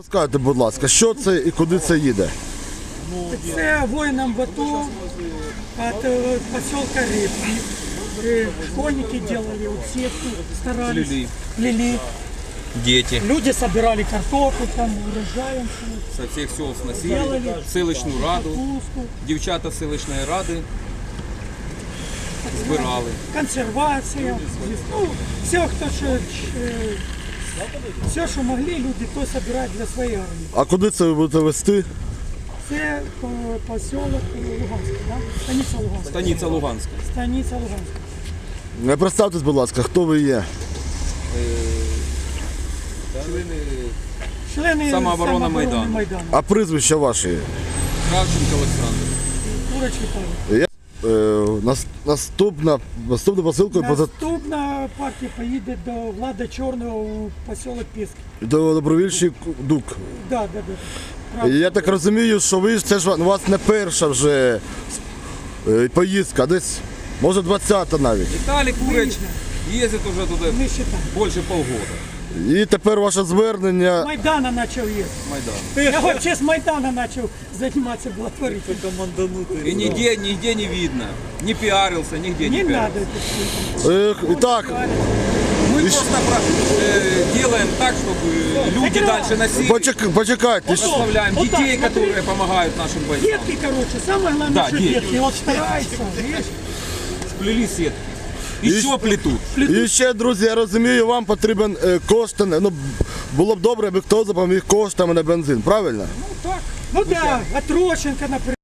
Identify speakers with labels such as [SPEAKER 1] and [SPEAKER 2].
[SPEAKER 1] Розкажіть, будь ласка, що це і куди це їде?
[SPEAKER 2] Це воїнам в АТО от поселка Рыбки. Школьники делали вот сетку, старались, плели.
[SPEAKER 3] Дети
[SPEAKER 2] Люди собирали картофель, там урожаем,
[SPEAKER 3] со всіх сел сносили, селищну раду,
[SPEAKER 2] капусту,
[SPEAKER 3] дівчата селищної ради збирали.
[SPEAKER 2] консервация. Ну, все, що могли, люди то собирать для своєї армії.
[SPEAKER 1] А куди це ви будете везти?
[SPEAKER 2] Це поселок Луганський, да? Станиця Луганська.
[SPEAKER 3] Станиця Луганська.
[SPEAKER 2] Станиця Луганська.
[SPEAKER 1] Не представтесь, будь ласка, хто ви є?
[SPEAKER 2] Члени
[SPEAKER 3] Самооборона Майдану.
[SPEAKER 1] А прізвище ваше?
[SPEAKER 3] Кравченко Олександр.
[SPEAKER 2] Курач Віталій.
[SPEAKER 1] Наступна посилка
[SPEAKER 2] Наступна партія поїде до Влада Чорного у поселок Піски.
[SPEAKER 1] до добровільчий дук.
[SPEAKER 2] Да.
[SPEAKER 1] Я так розумію, що ви ж це ж у вас не перша вже поїздка, десь може 20-та навіть.
[SPEAKER 3] Віталій Курач їздить уже туди
[SPEAKER 2] Ми считаємо.
[SPEAKER 3] більше полгода.
[SPEAKER 1] І тепер ваше звернення.
[SPEAKER 2] Майдана почав їздити.
[SPEAKER 3] Майдан.
[SPEAKER 2] Я взагалі з Майдана почав займатися благотворительністю.
[SPEAKER 3] И нигде не видно, не пиарился, нигде не
[SPEAKER 2] Не
[SPEAKER 3] пиарился.
[SPEAKER 2] треба.
[SPEAKER 1] І так,
[SPEAKER 3] Мы просто делаем так, чтобы люди дальше носили.
[SPEAKER 1] почекайте.
[SPEAKER 3] Прославляем
[SPEAKER 2] Вот так,
[SPEAKER 3] детей,
[SPEAKER 2] смотри.
[SPEAKER 3] которые помогают нашим бойцам.
[SPEAKER 2] Детки, короче, самое главное,
[SPEAKER 3] Да,
[SPEAKER 2] что
[SPEAKER 3] детки.
[SPEAKER 2] детки. Вот стараются, видишь?
[SPEAKER 3] Сплели сетки. Еще плетут.
[SPEAKER 1] І ще, друзі, я розумію, вам потрібен кошти. Ну, було б добре, аби хто допоміг коштами на бензин, правильно?
[SPEAKER 2] Ну так. Ну да, Отрощенко, например.